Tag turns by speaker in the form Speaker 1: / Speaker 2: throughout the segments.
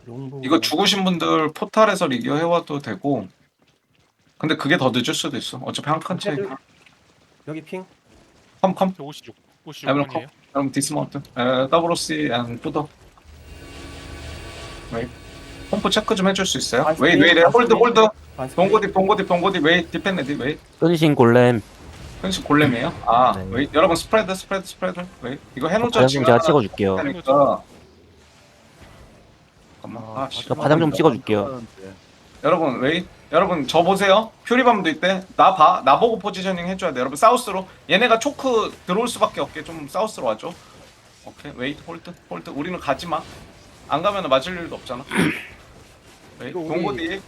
Speaker 1: 용부.
Speaker 2: 이거 죽으신 분들 포탈에서 리기어 해와도 되고. 근데 그게 더 늦을 수도 있어. 어차피 한 칸 차이.
Speaker 1: 여기 핑.
Speaker 2: 컴.
Speaker 3: 56분이에요.
Speaker 2: 여러분 디스마운트. WC 앤 푸더. 웨이. pom프 체크 좀 해줄 수 있어요? 웨이. 홀드. 봉고디. 웨이. 디펜레디. 웨이.
Speaker 4: 끈신 골렘.
Speaker 2: 현실 골렘이에요? 아,
Speaker 4: 네.
Speaker 2: 웨이. 여러분 스프레드. 웨이. 이거 해놓자.
Speaker 4: 파장 좀 제가 찍어줄게요.
Speaker 2: 테니까. 잠깐만.
Speaker 4: 저 파장 좀 찍어줄게요.
Speaker 2: 여러분 웨이. 여러분 저 보세요. 퓨리밤도 있대. 나 봐. 나 보고 포지셔닝 해줘야 돼. 여러분 사우스로. 얘네가 초크 들어올 수밖에 없게 좀 사우스로 와줘. 오케이. 웨이. 홀드. 우리는 가지 마. 안 가면 맞을 일도 없잖아. 웨이.
Speaker 5: 이거 우리-
Speaker 2: 동고디.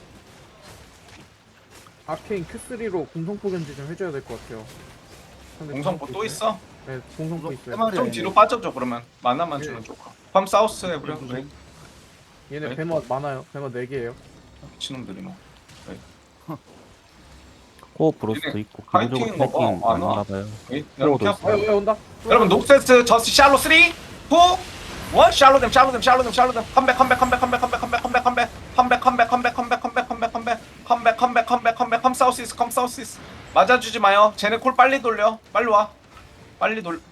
Speaker 5: 아케인 Q3로 공성포 견제 좀 해줘야 될 것 같아요. 상대
Speaker 2: 공성포 또 있어?
Speaker 5: 네, 공성포 있어요.
Speaker 1: 해마리
Speaker 2: 좀
Speaker 1: 아니네.
Speaker 2: 뒤로 빠져줘 그러면. 만나만 주는 조카. 팜 사우스 해버려. 웨이.
Speaker 5: 얘네
Speaker 2: 네.
Speaker 5: 배머 많아요. 배머 4개예요.
Speaker 2: 미친놈들이 뭐.
Speaker 4: 코 브로스도 있고
Speaker 2: 파이팅인
Speaker 4: 기본적으로
Speaker 2: 거
Speaker 4: 파이팅
Speaker 2: 봐. 안 와.
Speaker 4: 많나봐요.
Speaker 2: 웨이. 여러분
Speaker 4: 프로도
Speaker 2: 켜.
Speaker 5: 왜 온다?
Speaker 2: 여러분 녹세스 저스 샬로 3 2 1 샬로댐 컴백 컴 사우스 맞아주지 마요. 쟤네 콜 빨리 돌려. 빨리 와. 빨리 돌.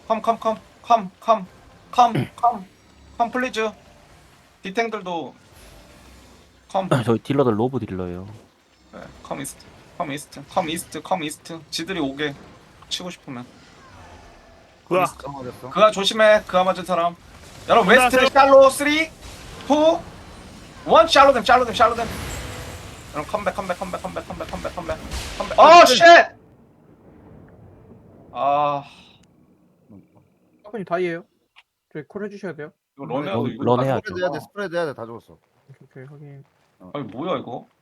Speaker 2: 컴 플리즈. 디탱들도 컴.
Speaker 4: 저희 딜러들 로브 딜러예요.
Speaker 2: 네, 컴 이스트. 지들이 오게 치고 싶으면.
Speaker 1: 까먹었어.
Speaker 2: 그가 조심해. 그가 맞은 사람. 여러분
Speaker 3: 그가
Speaker 2: 웨스트
Speaker 3: 세-
Speaker 2: 샬로 3 2 1 샬로댐. 여러분 컴백. 어 쉣. 아
Speaker 5: 사건이 다이에요. 저희 콜 해주셔야 돼요.
Speaker 2: 이거 런해도 이거
Speaker 4: 런
Speaker 2: 다
Speaker 4: 해야죠.
Speaker 1: 스프레드 해야 돼. 스프레드 해야 돼. 다 죽었어.
Speaker 5: 오케이, 확인.
Speaker 2: 아니 뭐야 이거?